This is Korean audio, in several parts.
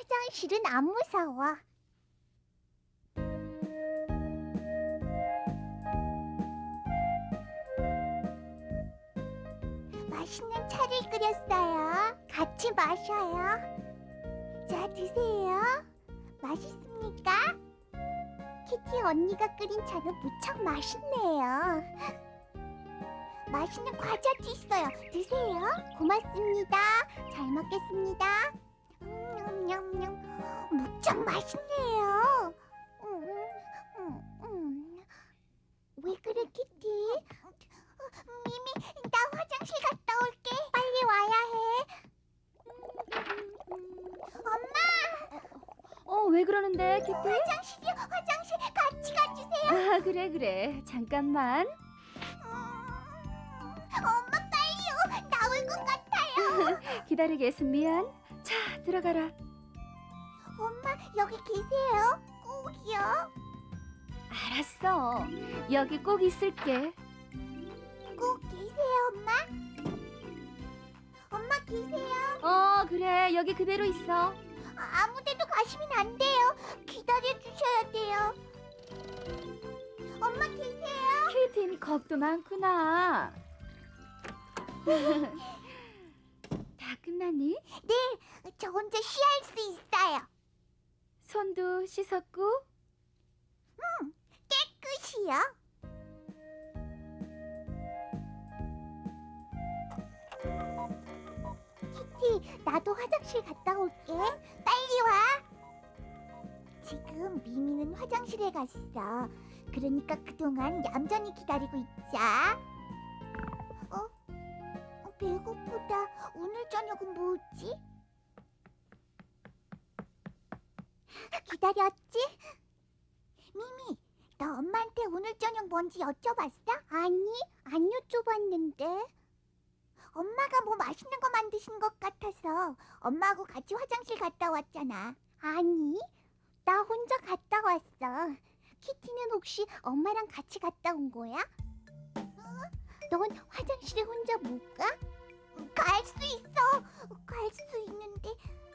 화장실은 안 무서워. 맛있는 차를 끓였어요. 같이 마셔요. 자, 드세요. 맛있습니까? 키티 언니가 끓인 차는 무척 맛있네요. 맛있는 과자도 있어요. 드세요. 고맙습니다. 잘 먹겠습니다. 냠냠냠. 무척 맛있네요. 왜 그래, 키티? 미미, 나 화장실 갔다 올게. 빨리 와야 해. 엄마! 왜 그러는데, 키티? 화장실이요. 화장실 같이 가주세요. 아, 그래. 잠깐만. 엄마 빨리요. 나올 것 같아요. 기다리게 해서 미안. 자, 들어가라. 엄마 여기 계세요. 꼭이요. 알았어. 여기 꼭 있을게. 꼭 계세요, 엄마. 엄마 계세요. 그래. 여기 그대로 있어. 아무데도 가시면 안 돼요. 기다려 주셔야 돼요. 엄마 계세요. 케이틴 겁도 많구나. 다 끝났니? 네, 저 혼자 쉬할 수 있어요. 손도 씻었고? 깨끗이요. 키티, 나도 화장실 갔다 올게. 빨리 와. 지금 미미는 화장실에 갔어. 그러니까 그동안 얌전히 기다리고 있자. 배고프다. 오늘 저녁은 뭐지? 기다렸지? 미미, 너 엄마한테 오늘 저녁 뭔지 여쭤봤어? 아니, 안 여쭤봤는데. 엄마가 뭐 맛있는 거 만드신 것 같아서 엄마하고 같이 화장실 갔다 왔잖아. 아니, 나 혼자 갔다 왔어. 키티는 혹시 엄마랑 같이 갔다 온 거야? 넌 화장실에 혼자 못 가? 갈 수 있어. 갈 수 있는데.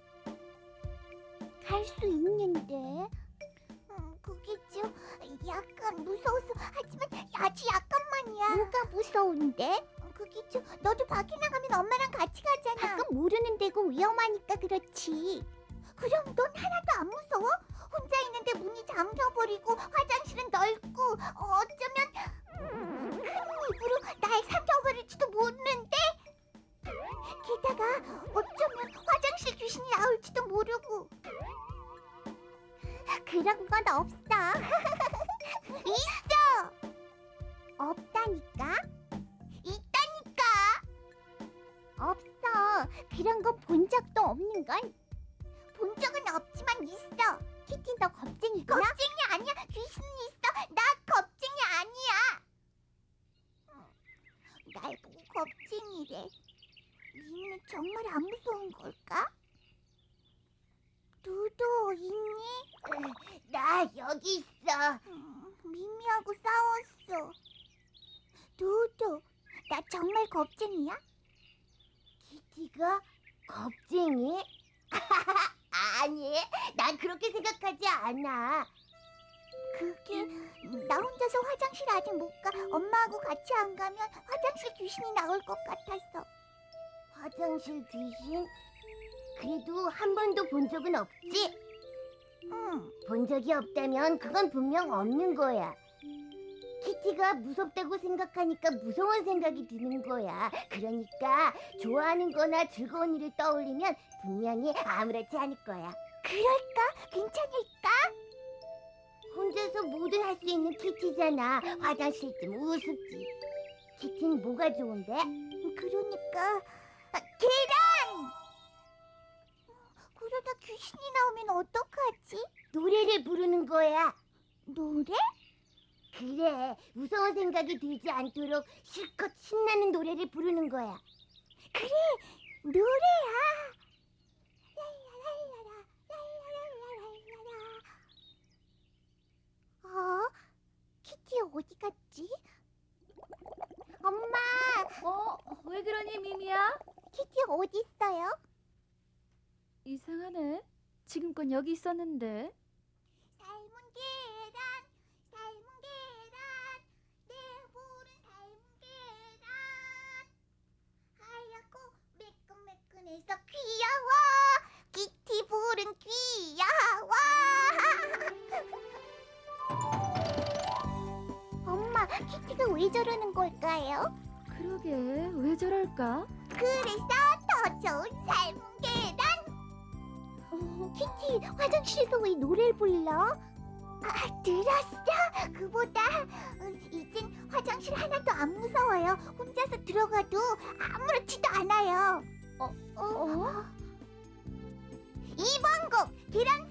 그게 좀 약간 무서워서. 하지만 아주 약간만이야. 뭐가 무서운데? 그게 좀 너도 밖에 나가면 엄마랑 같이 가잖아. 가끔 모르는 데고 위험하니까 그렇지. 그럼 넌 하나도 안 무서워? 혼자 있는데 문이 잠겨버리고 화장실은 넓고 어쩌면 큰 입으로 날 삼켜버릴지도 모르는데. 게다가 어쩌면 화장실 귀신이 나올지도 모르고. 그런 건 없어. 있어. 없다니까. 있다니까. 없어. 그런 거 본 적도 없는걸. 본 적은 없지만 있어. 키티, 너 겁쟁이구나? 겁쟁이 아니야. 귀신은 있어. 나 겁쟁이 아니야. 날 보고 겁쟁이래. 니는 정말 안 무서운 걸까? 두두 있니? 나 여기 있어. 미미하고 싸웠어. 두두, 나 정말 겁쟁이야? 키티가 겁쟁이? 아니, 난 그렇게 생각하지 않아. 그게 나 혼자서 화장실 아직 못 가. 엄마하고 같이 안 가면 화장실 귀신이 나올 것 같아서. 화장실 귀신? 그래도 한 번도 본 적은 없지? 응. 본 적이 없다면 그건 분명 없는 거야. 키티가 무섭다고 생각하니까 무서운 생각이 드는 거야. 그러니까 좋아하는 거나 즐거운 일을 떠올리면 분명히 아무렇지 않을 거야. 그럴까? 괜찮을까? 혼자서 뭐든 할 수 있는 키티잖아. 화장실 좀 우습지. 키티는 뭐가 좋은데? 그러니까 계란! 그러다 귀신이 나오면 어떡하지? 노래를 부르는 거야. 노래? 그래, 무서운 생각이 들지 않도록 실컷 신나는 노래를 부르는 거야. 그래, 노래야. 랄라랄라라, 랄라랄라랄라라. 키티 어디 갔지? 엄마! 왜 그러니, 미미야? 키티 어디 있어요? 이상하네. 지금껏 여기 있었는데. 삶은 계란, 삶은 계란, 내 볼은 삶은 계란. 하얗고 매끈매끈해서 귀여워. 키티 볼은 귀여워. 엄마, 키티가 왜 저러는 걸까요? 그러게, 왜 저럴까? 그래서 더 좋은 삶은 계란. 키티, 화장실에서 왜 노래를 불러? 들었어? 그보다 이젠 화장실 하나도 안 무서워요. 혼자서 들어가도 아무렇지도 않아요. 어? 이번 곡 계란